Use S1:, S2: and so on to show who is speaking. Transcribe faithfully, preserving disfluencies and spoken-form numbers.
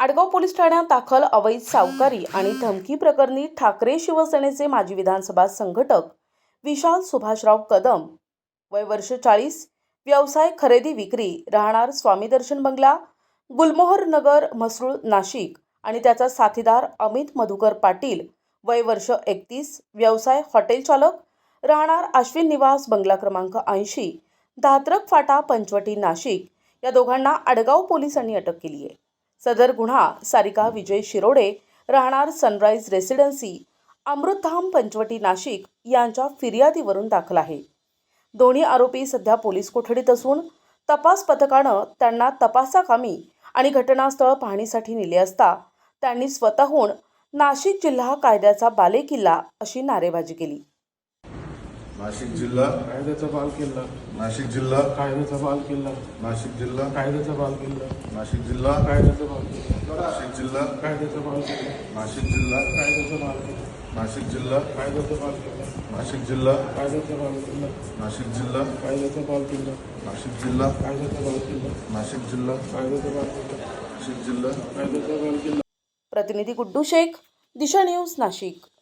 S1: Adgaon police ठाण्यात दाखल अवैध सावकारी आणि धमकी प्रकरणी ठाकरे शिवसेनेचे माजी विधानसभा संघटक विशाल सुभाषराव कदम, वय वर्ष चाळीस, व्यवसाय खरेदी विक्री, राहणार स्वामी दर्शन बंगला, गुलमोहर नगर, म्हसरूळ, नाशिक आणि त्याचा साथीदार अमित मधुकर पाटील, वय वर्ष एकतीस, व्यवसाय हॉटेल चालक, राहणार अश्विन निवास, बंगला क्रमांक ऐंशी, धात्रक फाटा, पंचवटी, नाशिक या दोघांना आडगाव पोलिसांनी अटक केली आहे। सदर गुन्हा सारिका विजय शिरोडे, राहणार सनराइज रेसिडेन्सी, अमृतधाम, पंचवटी, नाशिक यांच्या फिर्यादीवरून दाखल आहे। दोन्ही आरोपी सध्या पोलीस कोठडीत असून तपास पथकानं त्यांना तपासाकामी आणि घटनास्थळ पाहणीसाठी नेले असता त्यांनी स्वतःहून नाशिक जिल्हा कायद्याचा बालेकिल्ला अशी नारेबाजी केली।
S2: नाशिक जिल्हा
S3: कायद्याचा बालेकिल्ला,
S2: नाशिक जिल्हा
S3: कायद्याचा बालेकिल्ला,
S2: नाशिक जिल्हा
S3: कायद्याचा बालेकिल्ला,
S2: नाशिक जिल्हा
S3: कायद्याचा बालेकिल्ला,
S2: नाशिक जिल्हा
S3: कायद्याचा बालेकिल्ला,
S2: नाशिक जिल्हा
S3: कायद्याचा बालेकिल्ला,
S2: नाशिक जिल्हा
S3: कायद्याचा बालेकिल्ला,
S2: नाशिक जिल्हा
S3: कायद्याचा बालेकिल्ला,
S2: नाशिक जिल्हा
S3: कायद्याचा बालेकिल्ला,
S2: नाशिक जिल्हा
S3: कायद्याचा बालेकिल्ला,
S2: नाशिक जिल्हा
S3: कायद्याचा बालेकिल्ला,
S2: नाशिक जिल्हा
S3: कायद्याचा बालेकिल्ला।
S1: प्रतिनिधी गुड्डू शेख, दिशा न्यूज, नाशिक।